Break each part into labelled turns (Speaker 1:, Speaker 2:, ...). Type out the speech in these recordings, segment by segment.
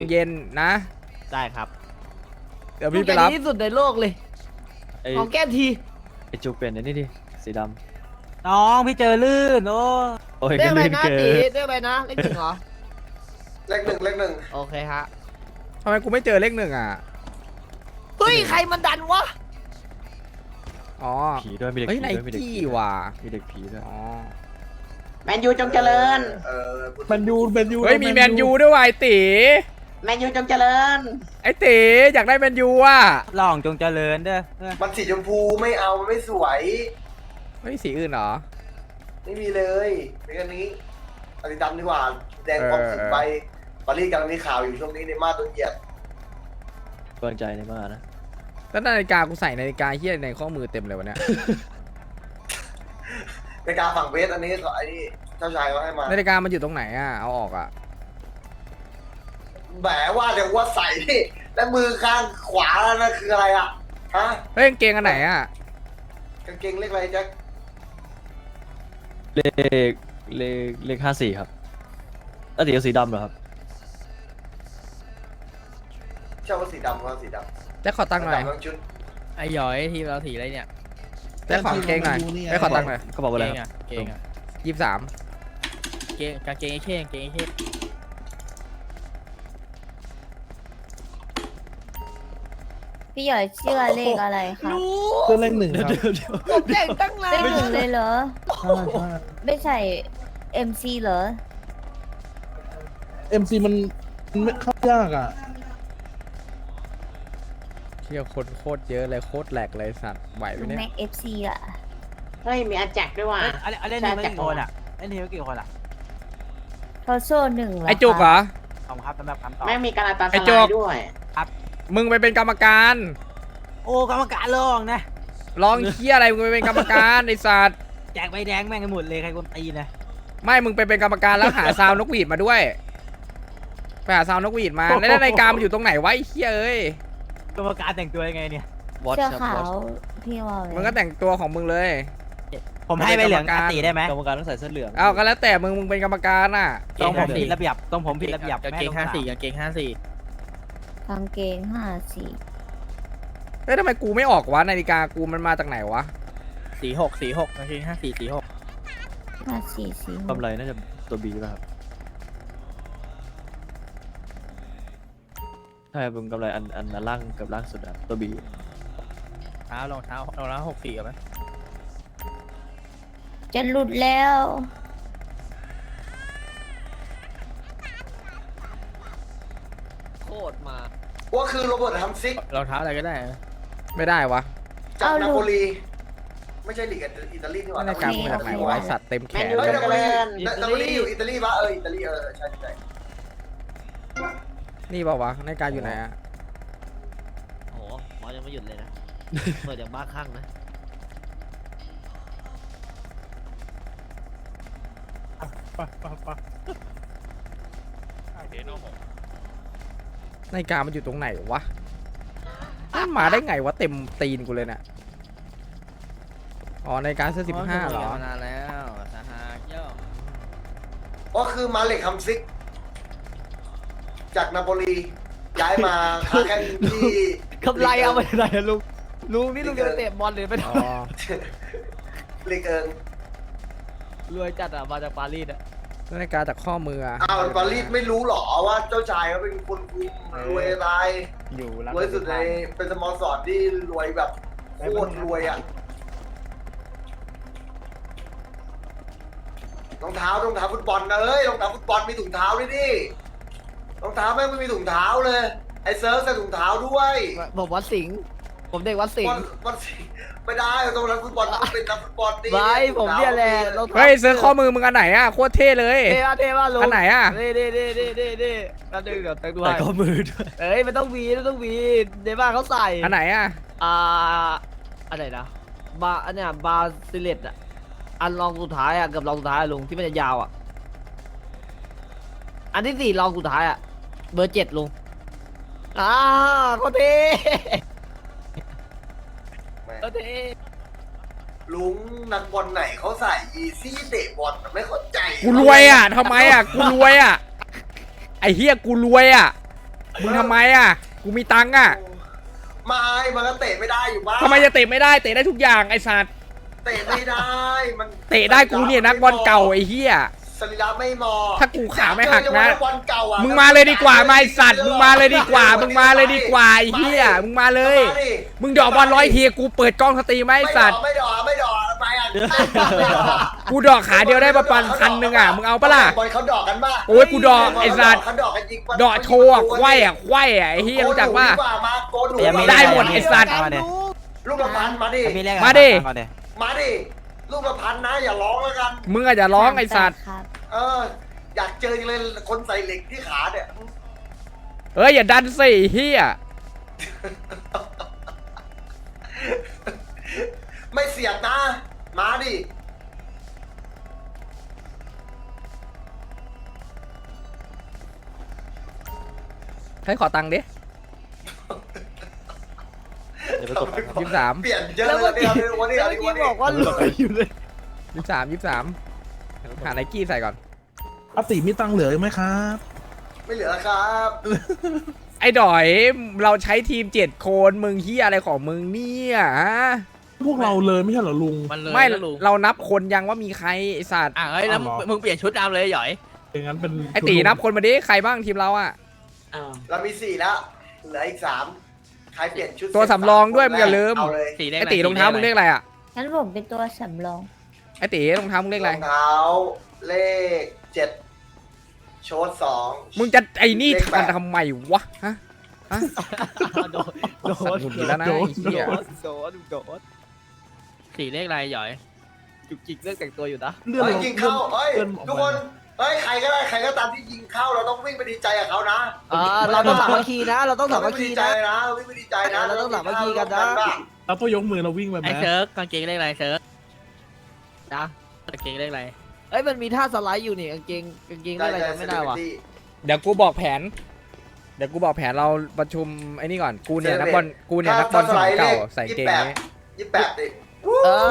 Speaker 1: เย็นนะ
Speaker 2: ได้ครับ
Speaker 1: เดี๋ยวพี่ไปรับ
Speaker 3: ที่สุดในโลกเลยของแก้ที
Speaker 4: ไอจูเป็นไอ้นี่ดิสีด
Speaker 2: น้องพี่เจอลื่นโอ้
Speaker 4: โอ้ย
Speaker 3: เรี
Speaker 4: ก็
Speaker 3: ยกอะไร
Speaker 4: ลื่น
Speaker 3: นะ
Speaker 4: เกิ
Speaker 3: ตี
Speaker 4: น
Speaker 3: เรียกอะไรนะเลขหนึ่งเหรอ
Speaker 5: เลขหนึ่ง
Speaker 3: โอเคฮะ
Speaker 1: ทำไมกูไม่เจอเลขหนึ่งอ่ะ
Speaker 3: เฮ้ยใครมันดันวะ
Speaker 1: อ๋อ
Speaker 4: ผีด้วยมีเด็ก
Speaker 1: เฮ้ย
Speaker 4: ผี
Speaker 1: ไน
Speaker 4: ด้วยมีเด็ก
Speaker 1: กี้
Speaker 4: ผีด้วย
Speaker 1: ว่ะ
Speaker 4: มีเด็กผีด้วย
Speaker 1: อ๋อ
Speaker 6: แมนยูจงเจริญ
Speaker 5: แมนยู
Speaker 1: เฮ้ยมีแมนยูด้วยว่ะไอตี
Speaker 6: แมนยูจงเจริญ
Speaker 1: ไอตีอยากได้แมนยูอ่ะ
Speaker 2: ลองจงเจริญเด้อ
Speaker 5: มันสีชมพูไม่เอามันไม่สวย
Speaker 1: เฮ้ยสีอื่นเหรอ
Speaker 5: ไม่มีเลยเป็นอันนี้อันนี้ดำดีกว่าแดงพร้อมสิบใบปารีสกำลังมีข่าวอยู่ช่วงนี้ในมาโดนเหยียบ
Speaker 4: กำลังใจในมากนะ
Speaker 1: แล้วนาฬิกากูใส่นาฬิกาเฮี้ยในข้อมือเต็มเลยวะเนี่ย
Speaker 5: ในการฝั่งเวสอันนี้ไอ้นี่เจ้าชายเขาให้มา
Speaker 1: นาฬิกามันอยู่ตรงไหนอ่ะเอาออกอ่ะ
Speaker 5: แหมว่าเดี๋ยวว่าใส่ที่แล้วมือข้างขวานั่นคืออะไรอ่ะฮะ
Speaker 1: เฮ้ยกางเกงอันไหนอ่ะ
Speaker 5: กางเกงเลขอะไรแจ็ค
Speaker 4: เลขเลข54ครับแล้วตีเอาสีดำเหรอครับ
Speaker 5: เช่าว่าสีดำก็สีดำ
Speaker 1: แจ็คขอตังค์หน่อย
Speaker 5: ดำทั้งชุด
Speaker 3: ไอ้หยอยทีมเราสีอะไรเนี่ย
Speaker 1: แจ็คขอกางเกงหน่อยแจ็คขอตังค์หน่อย
Speaker 4: ก็บอกว่าอะไร
Speaker 3: เกง
Speaker 4: ครับ
Speaker 3: อ่ะเกงอ่ะ
Speaker 1: 23
Speaker 3: เกงกางเกงไอ้เข้กางเกงไอ้เข้
Speaker 7: พี่หยอยเชื่อเลขอะไรคะ
Speaker 8: ตัวเลขหนึ่งครับ
Speaker 3: ผมแต่งตั้งนาน
Speaker 7: เลขหนึ่งเลยเหรอ
Speaker 8: ใช่ใช่
Speaker 7: ไม่ใช่ MC เหรอ
Speaker 8: MC มันไม่เข้ายากอ่ะ
Speaker 1: เที่ยวคนโคตรเยอะเลยโคตรแหลกเลยสัตว์ไหวไหมเนี่ย
Speaker 7: แม็ก FC อ่ะ
Speaker 6: เฮ้ย มีอาแจกด้วยว่ะ
Speaker 2: เล่นทีมกี่คนอ่ะเล่นทีมกี่คนอ่ะ
Speaker 7: เขาโซ่หนึ่งเหรอ
Speaker 1: ไอจุกเหรอ
Speaker 2: ขอบคุณครับสำหรับคำตอบ
Speaker 6: แม่งมีการาตาส
Speaker 1: ไอ้
Speaker 6: ลา
Speaker 1: โจ๊ก
Speaker 6: ยด้วย
Speaker 1: มึงไปเป็นกรรมการ
Speaker 2: โอ้กรรมการลองนะ
Speaker 1: ลองเคี้ยอะไรมึงไปเป็นกรรมการไอสัตว์
Speaker 2: แจกใบแดงแม่งกันหมดเลยใครคนตีนะ
Speaker 1: ไม่มึงไปเป็นกรรมการแล้วหาซาวนกหวีดมาด้วยไปหาซาวนกหวีดมาแล้วนาฬิกามันอยู่ตรงไหนวะไอ้เคี้ยเอ้ย
Speaker 2: กรรมการแต่งตัวยังไงเนี่ย
Speaker 4: วอต
Speaker 7: เสื้อ
Speaker 4: ครับ
Speaker 7: ขาว
Speaker 4: วอต
Speaker 7: พี่วอล
Speaker 1: มึงก็แต่งตัวของมึงเลย
Speaker 2: ผมให้ใบเหลืองตีได้ไหม
Speaker 4: กรรมการต้องใส่เสื้อเหลือง
Speaker 1: เอาก็แล้วแต่มึงเป็นกรรมการน่ะ
Speaker 2: ต้องผมผิดระเบียบต้องผมผิดระเบียบ
Speaker 3: กางเกง54กางเกง54
Speaker 7: กางเกง54
Speaker 1: เฮ้ยทำไมกูไม่ออกวะนาฬิกากูมันมาจากไหนวะ
Speaker 3: 46กางเกง54 46
Speaker 7: 54
Speaker 4: กำไรน่าจะตัวบีป่ะครับใช่เป็นกำไรอันล่างกับล่างสุดอะตัวบี
Speaker 3: รองเท้64กันไหม
Speaker 7: จะหลุดแล้ว
Speaker 3: โคตรมา
Speaker 5: ว่าคือโรเบิร์ตฮัมซิก
Speaker 3: รองเท้าอะไรก็ได้
Speaker 1: ไม่ได้วะ
Speaker 5: จากนาโปลี ไม่ใช่ลีกอิตาลีนี่หว่า
Speaker 1: นาฬิกากูมาจากไหนวะไอ้สัตว์เต็มแข
Speaker 6: แมน
Speaker 1: น
Speaker 6: ยู
Speaker 1: เล
Speaker 6: จ
Speaker 1: ย
Speaker 6: งเจริญ
Speaker 5: นาโปลีอยู่อิตาลีปะอิตาลีใช่ใช่
Speaker 1: นี่เปล่าวะนาฬิกาอยู่ไหนอะ
Speaker 3: โอ้โหหมอยังไม่หยุดเลยนะ เปิดอย่างบ้าคลั่งนะ
Speaker 1: นาฬิกามันอยู่ตรงไหนวะมันมาได้ไงวะเต็มตีนกูเลยเนี่ยอ๋อนาฬิกาเสื้อ15เหรอ
Speaker 3: มานานแล้วสหายเย่อ
Speaker 5: ก็คือมาเล็กฮัมซิก จากนาโปลีย้ายมาค้าแข่งที่
Speaker 3: กำไรเอาไปไหนอะลุงนี่ลุงจะไปเตะบอลหรือไป
Speaker 1: อ๋อ
Speaker 5: ลีกเอิง
Speaker 3: รวยจัดอะมาจากปารีสอะ
Speaker 1: นาฬิกาจากข้อมืออะ
Speaker 5: อ้าวปารีสไม่รู้หรอว่าเจ้าชายเขาเป็นคนคุมรวยอะไร
Speaker 2: อยู่
Speaker 5: รวยสุดในเป็นสโมสรที่รวยแบบโคตรรวยอ่ะรองเท้าฟุตบอลนะเอ้ยรองเท้าฟุตบอลมีถุงเท้าด้วยดิรองเท้าแม่งไม่มีถุงเท้าเลยไอ้เซิร์ฟใส่ถุงเท้าด้วย
Speaker 3: ผมวัดสิงห์ผมเด็กวัดสิงห์
Speaker 5: วันสิไม่ได้ตรงนักฟุตบอลต้องเป็นนักฟุตบอลดิ
Speaker 3: ไม่ผมเนี่ยแหละรองท้า
Speaker 1: เฮ้ยซื้อข้อมือมึงอันไหนอะโคตรเท่เลย
Speaker 3: เท่ป่ะลุง
Speaker 1: อันไหนอะ
Speaker 3: เด้แล้วดึงเดี๋ยวแต่งด้ว
Speaker 4: ใส่
Speaker 3: ย
Speaker 4: ข้อมือด้วย
Speaker 3: เอ้ยมันต้องมีในบ้านเขาใส่
Speaker 1: อันไหนอะ
Speaker 3: อันไหนนะอันเนี้ยบาซิเลตอะอันรองสุดท้ายอะกับรองสุดท้ายอะลุงที่มันจะยาวอะอันที่4รองสุดท้ายอะเบอร์7ลุงโคตรเท่โคตรเท่
Speaker 5: ลุงนักบอลไหนเขาใส่ยีซี่เตะบอลไม่เข้าใจ
Speaker 1: กูรวยอะทำไมอะกูรวยอะไอ้เฮียกูรวยอะมึงทำไมอ่ะกูมีตังค์อ่ะ
Speaker 5: ไม่มันก็เตะไม่ได้อยู่บ้าง
Speaker 1: ทำไมจะเตะไม่ได้เตะได้ทุกอย่างไอ้สัตว์
Speaker 5: เตะไม่ได้มัน
Speaker 1: เตะได้กูเนี่ยนักบอลเก่าไอ้เหี้ย
Speaker 5: สรีระไม่เหมาะ
Speaker 1: ถ้ากูขาไม่หักนะ
Speaker 5: บอลเก่าอ่ะ
Speaker 1: มึงมาเลยดีกว่ามาไอ้สัตว์มึงมาเลยดีกว่ามึงมาเลยดีกว่าไอ้เหี้ยมึงมาเลย
Speaker 5: มาดิ
Speaker 1: มึงดอกบอล100 ทีกูเปิดกล้องสตรีมไหมไอ้สัตว์
Speaker 5: ไม่ดอกไปอ่ะ
Speaker 1: กูดอกขาเดียวได้ประมาณ1,000อ่ะมึงเอาปะล่ะ
Speaker 5: บอลเขาดอกกันป่ะ
Speaker 1: โอ้ยกูดอกไอ้สัตว์
Speaker 5: เขาดอกกันจริงปะ
Speaker 1: ดอกโชว์อะควายอ่ะควายอ่ะไอ้เหี้ยรู้จักป่ะ
Speaker 5: โกนหนู
Speaker 1: ได้หมดไอ้สัตว์
Speaker 2: มาดิ
Speaker 5: ลูกละพันมาดิ
Speaker 2: มีเลข
Speaker 1: มาดิ
Speaker 2: ก่อนดิ
Speaker 5: มาดิลูกละพันนะอย่าร้องแล้วกัน
Speaker 1: มึงอาจจะร้องไอ้สัตว์
Speaker 7: ครับ
Speaker 5: เอออยากเจอจังเลยคนใส่เหล็กที่ขาเนี่ย
Speaker 1: เอ้ยอย่าดันสิเฮีย
Speaker 5: ไม่เสียบนะมาดิ
Speaker 1: ให้ขอตังค์ดิ
Speaker 4: เดี๋ยวไปกดตังค์ครับ
Speaker 1: 23
Speaker 5: เปลี่ยนเยอะ
Speaker 3: แล้ว
Speaker 5: เล
Speaker 3: เมื่
Speaker 5: ย
Speaker 3: อกี้
Speaker 5: วันนี้
Speaker 3: แล้ว
Speaker 5: วัน
Speaker 3: เมื่อ
Speaker 5: นี้
Speaker 3: กี้บอกว่าหลุด
Speaker 1: 23 หาไนกี้ใส่ก่อน
Speaker 8: อาติมีตังค์เหลืออีกไหมครับ
Speaker 5: ไม่เหลือครับ
Speaker 1: ไอ้ดอยเราใช้ทีม7 คนมึงเฮียอะไรของมึงเนี่ยฮะ
Speaker 8: พวกเราเลยไม่ใช่เหรอลุง
Speaker 9: มันเลย
Speaker 1: ไม่
Speaker 9: นะลุง
Speaker 1: เรานับคนยังว่ามีใครไอ้สัตว์
Speaker 9: เฮ้ยแล้ว
Speaker 8: อ๋อเหรอ
Speaker 9: มึงเปลี่ยนชุดดำเลยหย่อย
Speaker 8: อย่างนั้นเป็น
Speaker 1: ไอ้ตีนับคนมาดิใครบ้างทีมเราอ่ะ
Speaker 5: เรามี4แล้วเหลืออีก3ใครเปลี่ยนชุด
Speaker 1: ตัวสำรองด้วยมึงอย่าลืม
Speaker 5: เอาเลย
Speaker 9: สีเลข
Speaker 1: ไอ้ตีรองเท้ามึงเลขอะไรอ่ะ
Speaker 7: งั้นผมเป็นตัวสำรอง
Speaker 1: ไอ้ตีรองเท้ามึงเลขอะไร
Speaker 5: รองเท้าเลข7โชด2
Speaker 1: มึงจะไอ้นี่ทันทำไมวะฮะ
Speaker 3: โดน
Speaker 1: สัตว์หงุดหงิดแล้วนะไอ้เหี้ย
Speaker 3: โดน
Speaker 9: สีเลขอะไรหย่อย
Speaker 3: จุกจิกเรื่องแต่งตัวอยู่นะ
Speaker 8: เลื่อน
Speaker 5: เฮ้ย
Speaker 8: ลง
Speaker 5: ยิงเข้าเฮ้ย
Speaker 8: เลื่อนออก
Speaker 5: ทุก
Speaker 8: มา
Speaker 5: คนเฮ้ยใครก็ได้ใครก็ตามที่ยิงเข้าเราต้องวิ่งไปดีใจกับเขานะ
Speaker 3: เราต้องสามัคคีนะ เราต้องสามัคคี
Speaker 5: วิ่งไปดีใจ
Speaker 3: นะ
Speaker 5: นะวิ่งไปดีใจนะ
Speaker 3: เราต้องสามัคคีกันนะ
Speaker 8: แล้วก็ยกมือเราวิ่งไปไหม
Speaker 9: ไอ้เซิร์ฟกางเกงเลขอะไรเซิร์ฟ
Speaker 3: นะ
Speaker 9: กางเกงเลขอะไร
Speaker 3: เอ้ยมันมีท่าสไลด์อยู่นี่กางเกงอะไรจำไม่ได้ว่ะ
Speaker 1: เดี๋ยวกูบอกแผน เดี๋ยวกูบอกแผนเราประชุมไอ้นี่ก่อนกูเนี่ยนักบอลสมัยเก่าใส่เกงนี้
Speaker 5: 28ดิ
Speaker 3: เออ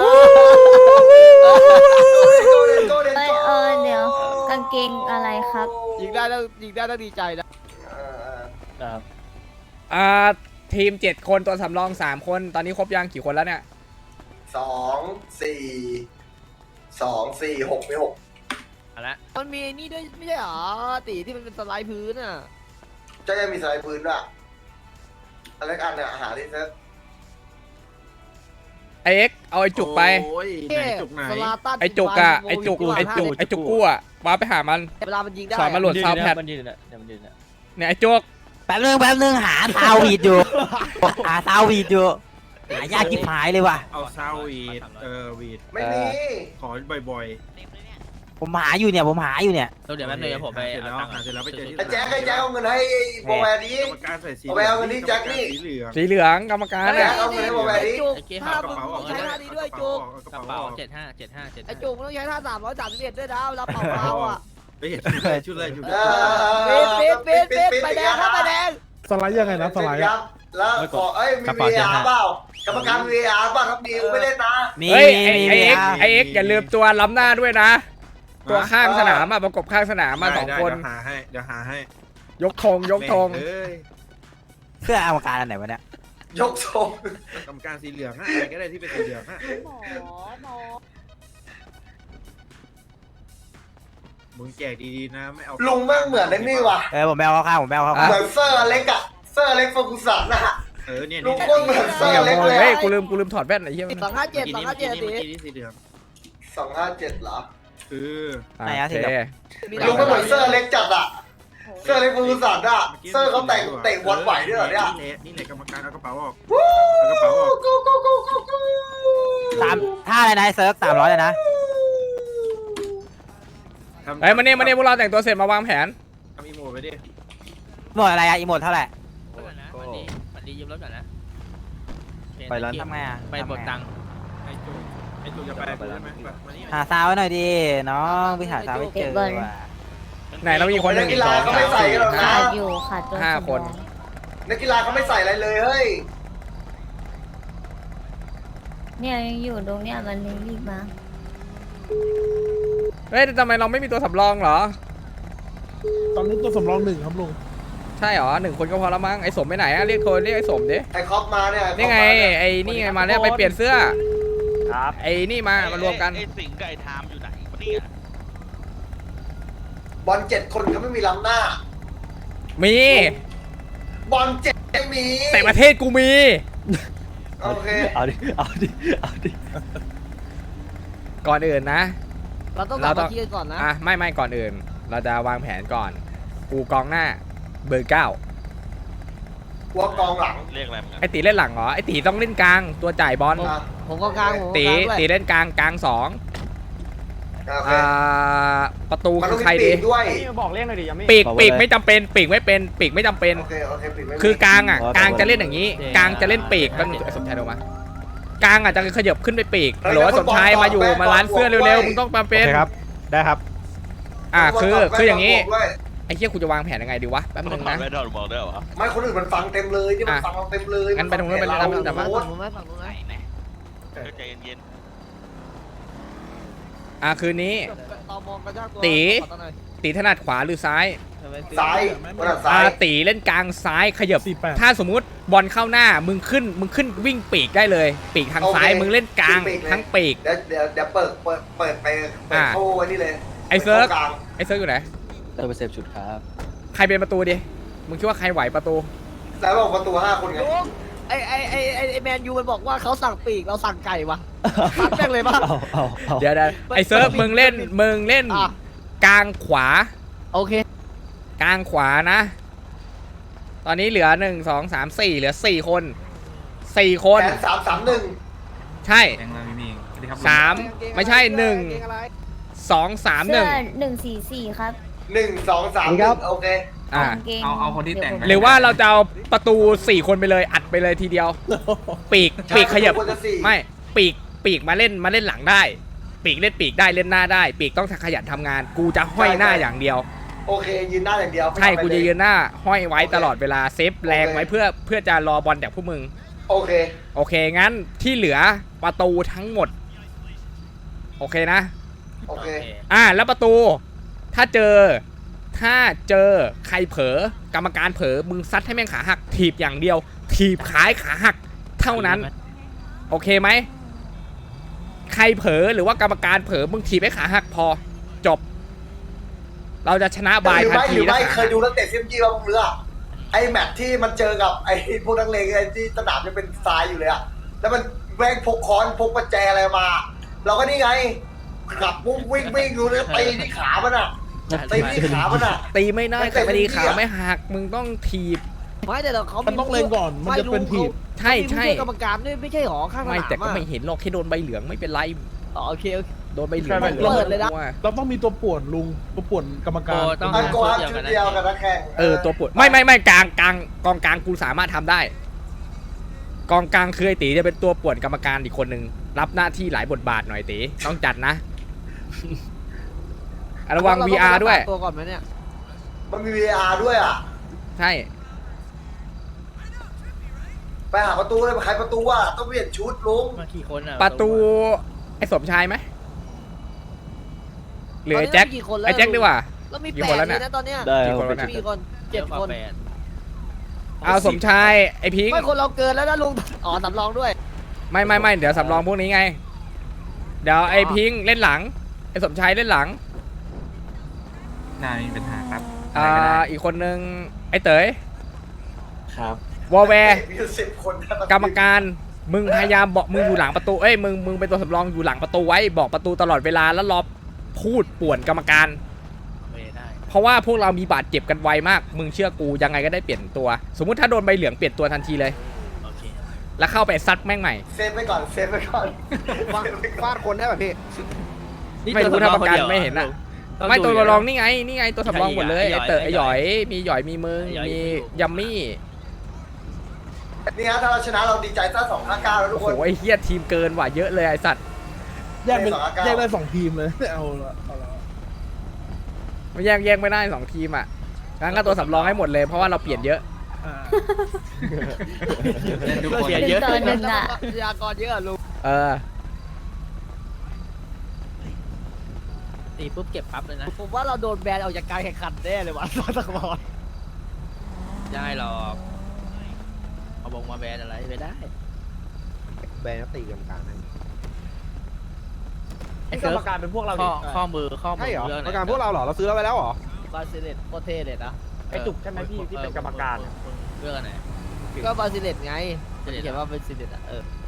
Speaker 5: โกเดน
Speaker 7: เอ้ยเดี๋ยวกางเกงอะไรครับ
Speaker 3: ยิงได้ต้องดีใจนะ
Speaker 4: นะครับ
Speaker 1: ทีม7 คนตัวสำรอง3 คนตอนนี้ครบยังกี่คนแล้วเนี่ย
Speaker 5: 2 4 6
Speaker 9: เอาละ
Speaker 3: มันมีนี่ด้วยไม่ใช่หรอตีที่มันเป็นสไลด์พื้นอ่ะ
Speaker 5: จะยังมีสไลด์พื้นด้วยอะไรกันเนี่ยหาที่เซ็ต
Speaker 1: ไอเอ็กเอาไอจุกไป
Speaker 3: สลาตัน
Speaker 1: ไอจุกอะไอจุกกู้อะว้าไปหามัน
Speaker 3: เวลามันยิงได้
Speaker 1: สอนมาโหลด ซาวด์แพด
Speaker 4: มันยืนเนี่ยเดี๋ยวมันยืนเนี่ย
Speaker 1: เนี่ยไอจุก
Speaker 2: แป๊บนึงหาซาววีดอยู่ หาซาววีดอยู่หายากจิบหายเลยว่ะ
Speaker 10: เอาซาววีดวีด
Speaker 5: ไม่มี
Speaker 10: ขอบ่อย
Speaker 2: ผมหาอยู่เนี่ย
Speaker 9: เดี๋ยวแป๊บนึงผมไปเอาตังค์
Speaker 10: หาเสร็จแล้วไปเจอที่
Speaker 5: ไอ้แจ็คเอาเงินให้โบแวร์นี้
Speaker 10: กรรมการใส่สี
Speaker 5: เอาไปเอาเงินนี่แจ็คนี่
Speaker 10: สีเหลือง
Speaker 1: สีเหลืองกรรมการ
Speaker 5: แจ็
Speaker 1: เนี่ย
Speaker 5: คเอาเงินให้โบแวร์นี้
Speaker 3: จุก
Speaker 9: ไอ้เกม
Speaker 3: ถ้า
Speaker 10: เอากระ
Speaker 3: มึง
Speaker 10: เป๋าออก
Speaker 3: ใช้ท่านี้ด้วยจุก
Speaker 9: กระเป๋า75
Speaker 3: ไอ้จุกมึงต้องใช้ท่า331ด้วยนะเวลาเป่าเท้าอ่ะ
Speaker 10: ไปเห็นชุดเลยชุด
Speaker 3: ปิดไปแดงครับไปแดง
Speaker 8: สไลด์ยังไงนะสไลด์
Speaker 5: แล้วขอมี VR เปล่ากรรมการ VR เปล่าครับมีไม่เล่นนะ
Speaker 2: มี
Speaker 1: เฮ้ย
Speaker 2: มี
Speaker 1: ไอเอ็กอย่าลืมตัวล้ำหน้าด้วยนะ ตัวข้างสนามอะประกบข้างสนามมา2 คน
Speaker 10: เดี๋ยวหาให้
Speaker 1: ยกธง
Speaker 10: เอ้ย
Speaker 2: เสื้ออวกาศอันไหนวะเนี่ย
Speaker 5: ยกทรง
Speaker 10: กรรมการสีเหลืองฮะอะไรก็ได้ที่เป็นสีเหลืองฮะมึงแจกดีๆนะไม่เอา
Speaker 5: ลุงแม่งเหมือนไอ้นี่ว่ะ
Speaker 2: ผมแมวเข้าข้างผมแมวเข้าข้าง
Speaker 5: เหมือนเซอร์อเล็กอะเซอร์อเล็กโฟกุสันนะ
Speaker 10: เนี่ย
Speaker 5: ลุงโคตรเหมือนเซอร์อเล็กเลย
Speaker 1: เฮ้ยกูลืมถอดแว่นไอ้เหี้ย
Speaker 3: 257
Speaker 10: เมื่อ
Speaker 3: ตี
Speaker 10: กี้นี่สีเหลือง
Speaker 5: 257เหรอ
Speaker 10: คือ
Speaker 1: โอเค
Speaker 5: ลุงก็เหมือนเซอร์อเล็กจัดอะเซอร์อเล็กโฟกุสันอะเซอร์เขาเตะบอลไหวด้วยเหรอเนี่ย
Speaker 10: นี่แหละกรรมการเอากระเป๋าออกเอากระเป๋าออก
Speaker 5: กูกูกูกูกู
Speaker 2: ท่าอะไรนะเซิร์ฟ300เลยนะ
Speaker 1: เฮ้ยมาเนี่ยพวกเราแต่งตัวเสร็จมาวางแผน
Speaker 10: ทำอีโมไปดิ
Speaker 2: หมดอะไรอะอีโมดเท่าไหร่
Speaker 9: มันดียืมรถก่อนนะ
Speaker 4: ไปร้าน
Speaker 2: ทำไงอะ
Speaker 9: ไปบดตังค์
Speaker 10: ไอ้จูจะไปใช่ไหมมานี่
Speaker 2: หาซาวไว้หน่อยดิน้องไปหาซาวไม่เจอว่ะ
Speaker 1: ไหนเรามีคนหนึ่ง
Speaker 5: นักกีฬาเขาไม่ใส่กันหรอกนะ
Speaker 7: ขาดอยู่ขาดตัว
Speaker 1: ห้า
Speaker 7: สำรอง
Speaker 1: คน
Speaker 5: นักกีฬาเขาไม่ใส่อะไรเลยเฮ้ย
Speaker 7: เนี่ยยังอยู่ตรงเนี้ยมันเลยรีบมา
Speaker 1: เฮ้ยทำไมเราไม่มีตัวสำรองเหรอ
Speaker 8: ตอนนี้ตัวสำรอง1ครับลุง
Speaker 1: ใช่เหรอ1 คนก็พอแล้วมั้งไอ้สมไปไหนอะเรียกโทรเรียกไอ้สมดิ
Speaker 5: ไอ้คอปมาเนี่ย
Speaker 1: นี่ไงไอ้นี่ไงมาแล้วไปเปลี่ยนเสื้อ
Speaker 2: ครับ
Speaker 1: ไอ้นี่มามารวมกัน
Speaker 9: ไอ้สิงห์กับไอ้ไทม์อยู่ไหนวะเนี่ย
Speaker 5: บอล7 คนเขาไม่มีล้ำหน้า
Speaker 1: มี
Speaker 5: บอล7ไม่มี
Speaker 1: แต่ประเทศกูมี
Speaker 5: โอเค
Speaker 4: เอาดิเอาดิเอาดิ
Speaker 1: ก่อนอื่นนะ
Speaker 3: เราต้องกลับมาคิดกันก่อนนะ
Speaker 1: ไม่ก่อนอื่น เราจะวางแผนก่อน กูกองหน้าเบอร์ 9
Speaker 5: หัวกองหลัง
Speaker 9: เรียกอะไรมึง
Speaker 1: ไอตีเล่นหลังเหรอไอตีต้องเล่นกลางตัวจ่ายบอล
Speaker 5: อ่ะ
Speaker 3: ผมก็กลางผมก็
Speaker 1: ตี
Speaker 3: กลางด้วย
Speaker 1: ตีเล่นกลางกลาง2
Speaker 5: โอเค
Speaker 1: ประตู
Speaker 5: มัน
Speaker 1: คื
Speaker 5: ต้อ
Speaker 1: อง ใคร
Speaker 5: มีปี
Speaker 1: ดี
Speaker 5: กด้วย
Speaker 2: บอกเรียกหน่อยดิยังไม่
Speaker 1: ปีกไม่จำเป็นปีกไม่เป็นปีกไม่จำเป็น
Speaker 5: โอเคปีกไม่มี
Speaker 1: คือกลางอ่ะกลางจะเล่นอย่างนี้กลางจะเล่นปีกก็สมชายลงมากลางอ่ะจะขยับขึ้นไปปีกหรือว่าสมชายมาอยู่มาร้านเสื้อเร็วๆมึงต้องมาเป็น
Speaker 2: ครับได้ครับ
Speaker 1: คืออย่างนี้
Speaker 5: นี้
Speaker 1: ไอ้เหี้ยกูจะวางแผนยังไงดีวะแป๊บนึงนะ
Speaker 9: ไม่ถอดมองได้เหรอ
Speaker 5: ไม่คนอื่นมันฟังเต็มเลยนี่มันฟังเราเต็มเลย
Speaker 1: งั้นไปตรงนู้นไปเลย
Speaker 5: เรา
Speaker 1: แต่ว่า
Speaker 5: โอ้
Speaker 3: ฝั่ง
Speaker 5: โห
Speaker 3: นู้นไหมฝั่งนู้นไหม
Speaker 9: ใจเย็น
Speaker 1: คืนนี้
Speaker 3: ต่อมองกระชากตัว
Speaker 1: ตี
Speaker 3: ขอตั้งหน่อย
Speaker 1: ตีถนัดขวาหรือซ้าย
Speaker 5: ซ้ายคนละซ้าย
Speaker 1: ตีเล่นกลางซ้ายขยับ
Speaker 8: 48
Speaker 1: ถ้าสมมุติบอลเข้าหน้ามึงขึ้นวิ่งปีกได้เลย ปีกทางซ้ายมึงเล่นกลางทั้งปีก
Speaker 5: เดี๋ยวเปิดไปโชว์ไว้นี่เลย
Speaker 1: ไอ้เซิร์ฟ
Speaker 5: กลาง
Speaker 1: ไอ้เซิร์ฟอยู่ไหน
Speaker 4: ไปเซฟชุดครับ
Speaker 1: ใครเป็นประตูดิมึงคิดว่าใครไหวประตู
Speaker 5: แล้วบอกประตู5 คนไง
Speaker 3: ลุงไอแมนยูมันบอกว่าเขาสั่งปีกเราสั่งไก่วะซัดแม่งเลยปะ
Speaker 4: เอา
Speaker 1: เดี๋ยวไอ้เซิร์ฟมึงเล่น
Speaker 3: อ่ะ
Speaker 1: กลางขวา
Speaker 3: โอเค
Speaker 1: กลางขวานะ ตอนนี้เหลือ1 2 3 4เหลือ4 คน 4 คน
Speaker 5: แผน3-3-1
Speaker 1: ใช่ 3ไม่ใช่1 2 3
Speaker 7: เสื้อ
Speaker 1: 1
Speaker 7: 144 ครับ
Speaker 5: 1 2 3 1โอเค
Speaker 1: อ่า
Speaker 7: กางเกง
Speaker 10: เอาคนที่แต่ง
Speaker 1: หรือว่าเราจะเอาประตู4 คนไปเลยอัดไปเลยทีเดียว ปีกขยับ
Speaker 5: คนละสี่
Speaker 1: ไม่ปีกมาเล่นหลังได้ ปีกเล่นปีกได้เล่นหน้าได้ ปีกต้องขยันทำงาน กูจะห้อยหน้าอย่างเดียว
Speaker 5: โอเคยืนหน้าอย่างเดียว
Speaker 1: ใช่กูจะยืนหน้าห้อยไว้ตลอดเวลาเซฟแรงไว้เพื่อจะรอบอลจากพวกมึง
Speaker 5: โอเค
Speaker 1: โอเคงั้นที่เหลือประตูทั้งหมด โอเคนะ
Speaker 5: โอเค
Speaker 1: แล้วประตูถ้าเจอใครเผลอกรรมการเผลอมึงซัดให้แม่งขาหักถีบอย่างเดียว ถีบขายขาหักเท่านั้น โอเคไหมใครเผลอหรือว่ากรรมการเผลอมึงถีบให้ขาหักพอจบ เราจะชนะบาย
Speaker 5: หรือ
Speaker 1: ทัน
Speaker 5: ไม่
Speaker 1: ที
Speaker 5: หรือ
Speaker 1: นะ
Speaker 5: ไม่เคยดูนักเตะซีมจีบ้างเรือไอ้แมตช์ที่มันเจอกับไอ้พวกนักเลงไอ้ที่สนามจะเป็นทรายอยู่เลยอะแล้วมันแม่งพกค้อนพกประแจอะไรมา เราก็นี่ไงขับวิ่งดูเลยตีที่ขามันอะตีที่ขามันอะ
Speaker 1: ตีไม่ได้
Speaker 5: มันเตะ
Speaker 1: แต่พอดี
Speaker 5: พื้นที่
Speaker 1: ขา
Speaker 5: อะ
Speaker 1: ไม่หักมึงต้องถีบ
Speaker 3: ไม่แต่เขา
Speaker 8: มันต้องเล็งก่อนมันจะเป็นถีบ
Speaker 1: ใช่
Speaker 3: ใช่กรรมการด้วยไม่ใช่หรอข้างสนาม
Speaker 1: ไม่แต่ก็
Speaker 3: อะ
Speaker 1: ไม่เห็นหรอกแค่โดนใบเหลืองไม่เป็นไร
Speaker 3: อ๋อโอเค
Speaker 1: โดนใบเหลือง
Speaker 8: ใช่
Speaker 3: เปิดเลยนะ
Speaker 8: เราต้องมีตัวป่วนลุงตัวป่วนกรรมการ
Speaker 9: ต้อง
Speaker 5: มันโกอัพชุดเดียวกับนักแข่ง
Speaker 1: ตัวปวดไม่กลางกองกลางกูสามารถทำได้ กองกลางคือไอตีจะเป็นตัวป่วนกรรมการอีกคนนึงรับหน้าที่หลายบทบาทหน่อยตีต้องจัดนะ ระวัง VR ด้วย
Speaker 3: ตัวก่อนไหมเนี่ย
Speaker 5: มันมี VR ด้วยอ่ะ
Speaker 1: ใช่
Speaker 5: ไปหาประตูเลยใครประตูอ่ะต้องเปลี่ยนชุดลุง
Speaker 9: มากี่คนอ่ะ
Speaker 1: ประตูไอ้สมชายไหมหรือไอ้แจ็ค
Speaker 3: ตนนี้มีกี่คนแล้ว
Speaker 1: ไอ้แจ็คดีกว่า
Speaker 3: แล้วมี
Speaker 1: กี่
Speaker 3: 8
Speaker 1: คนแล้ว
Speaker 3: เล
Speaker 1: เนี่ย
Speaker 3: ยนะตอนเนี้ย
Speaker 4: ได้
Speaker 1: กี่
Speaker 4: ค
Speaker 1: คน
Speaker 4: รับ
Speaker 1: วะเนี่ย
Speaker 3: มีคน7 คน
Speaker 1: เอาสมชายไอ้พิงค์
Speaker 3: ไม่คนเราเกินแล้วนะลุงอ๋อสำรองด้วย
Speaker 1: ไม่เดี๋ยวสำรองพวกนี้ไง เดี๋ยวไอ้พิงค์เล่นหลังไอ้สมชายเล่นหลัง
Speaker 10: นายมีปัญหาครับ
Speaker 1: อีกคนนึงไอ้เต๋ย
Speaker 4: ครับ
Speaker 1: วอลแวร์
Speaker 5: มีอยู่10 คนนะ
Speaker 1: กรรมการมึงพยายามบอกมึงอยู่หลังประตูเอ้ยมึงเป็นตัวสำรองอยู่หลังประตูไว้บอกประตูตลอดเวลาแล้วรอพูดป่วนกรรมการ
Speaker 9: ไม่ได้
Speaker 1: เพราะว่าพวกเรามีบาดเจ็บกันไวมากมึงเชื่อกูยังไงก็ได้เปลี่ยนตัว สมมุติถ้าโดนใบเหลืองเปลี่ยนตัวทันทีเลย
Speaker 9: โอเค
Speaker 1: แล้วเข้าไปซัดแม่งใหม่
Speaker 5: เซฟไปก่อนเซฟไปก่อน
Speaker 6: ฟาดคนได้ป่ะพี่
Speaker 1: ไม่รู้ถ้ากรรมการไม่เห็นอ่ะไม่ตัวสำรองนี่ไงตัวสำรองหมดเลยไอ้เต๋อไอ้หยอยมีหยอยมีมึงมียัมมี่
Speaker 5: นี่ฮะถ้าเราชนะเราดีใจซะ2-5-9แล้วทุก
Speaker 1: โอ้
Speaker 5: ค
Speaker 1: โห
Speaker 5: น
Speaker 1: ไอ้เฮียทีมเกินว่ะเยอะเลยไอ้สัตว์
Speaker 8: แยกเป็น
Speaker 5: 2-9
Speaker 8: แยกได้2 ทีมเลยเอาละ
Speaker 1: ไม่แยกไม่ได้2 ทีมอ่ะงั้นก็ตัวสำรองให้หมดเลยเพราะว่าเราเปลี่ยนเยอะ
Speaker 8: อ่า
Speaker 9: เสียเยอะ
Speaker 7: 1 ต่อ 1 อ่ะ
Speaker 3: พยากรเยอะลุง
Speaker 9: ตีปุ๊บเก็บปั๊บเลยนะ
Speaker 3: ผมว่าเราโดนแบนออกจากการแข่งขันแน่เลยว่ะตะกบอล
Speaker 9: ได้หรอกเอาบงมาแบนอะไรไม่ได้
Speaker 6: แบนตีกรรมการให้
Speaker 9: ไอ้กรรมการเป็นพวกเราข้อมือ
Speaker 6: ใช่เหรอ
Speaker 9: เรื่อง
Speaker 6: กรรมการพวกเราเหรอ เราซื้อเราไปแล้วเหรอ
Speaker 3: บาซิเลตโคตรเท่เลยนะ
Speaker 9: ไอ้จุกใช่ไหมพี่ที่เป็นกรรมการเรื่องอะไร
Speaker 3: ก็บาซิเลตไง
Speaker 9: บาซิเลต
Speaker 3: เขียนว่าเป็นซิเลตอ่ะ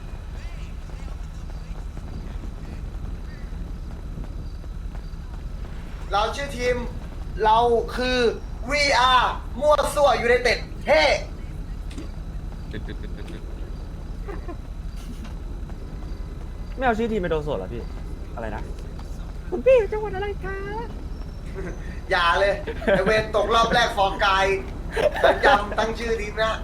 Speaker 5: เราชื่อทีมเราคือ VR มั่วซั่วอยู่ในเต็ดเฮ้
Speaker 4: ไม่เอาชื่อทีมไปโดนสดเหรอพี่ อะไรนะ
Speaker 5: อย่าเลยไอเวนตกรอบแรกฟอร์กายจำตั้งชื่อทีมนะ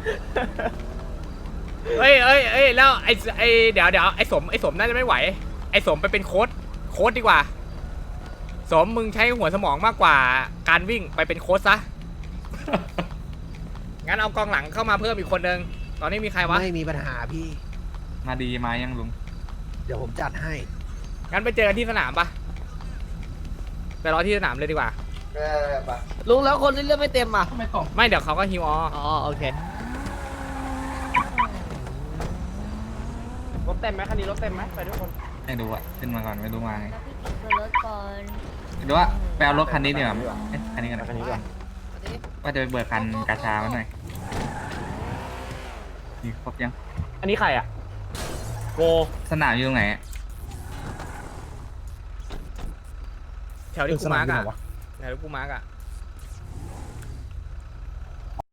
Speaker 1: เอ้ยแล้วไอ้เดี๋ยวไอ้สมน่าจะไม่ไหวไอ้สมไปเป็นโค้ดดีกว่าสมมึงใช้หัวสมองมากกว่าการวิ่งไปเป็นโค้ดซะ งั้นเอากองหลังเข้ามาเพิ่มอีกคนนึงตอนนี้มีใครวะ
Speaker 6: ไม่มีปัญหาพี่
Speaker 10: มาดีมายังลุง
Speaker 6: เดี๋ยวผมจัดให้
Speaker 1: งั้นไปเจอกันที่สนามปะไปรอที่สนามเลยดีกว่า
Speaker 5: ไป
Speaker 3: ลุงแล้วคนที่เลือกไม่เต็มอ่ะ
Speaker 1: ไม่เดี๋ยวเขาก็ฮิวออ
Speaker 3: อ๋อโอเค
Speaker 9: รถเต็มไหมคันนี้รถเต็มไหมไปทุกคน
Speaker 10: ไม่ดูอ่ะขึ้นมาก่อนไม่รู้มาไง
Speaker 7: บนรถก่อน
Speaker 10: ไม่รู้ว่าไปเอารถคันนี้ดีกว่าเอ๊ะคันนี้กันคันนี้ก่อนว่าจะไปเบิกคันกาชามาหน่อยนี่ครบยัง
Speaker 9: อันนี้ใครอ่ะโก
Speaker 10: สนามอยู่ตรงไหนอะ
Speaker 1: แถวที่กูมาร์ก
Speaker 8: สนามอยู่
Speaker 1: อะ
Speaker 8: ไหนวะ
Speaker 1: แถวที่กูมาร์กอะ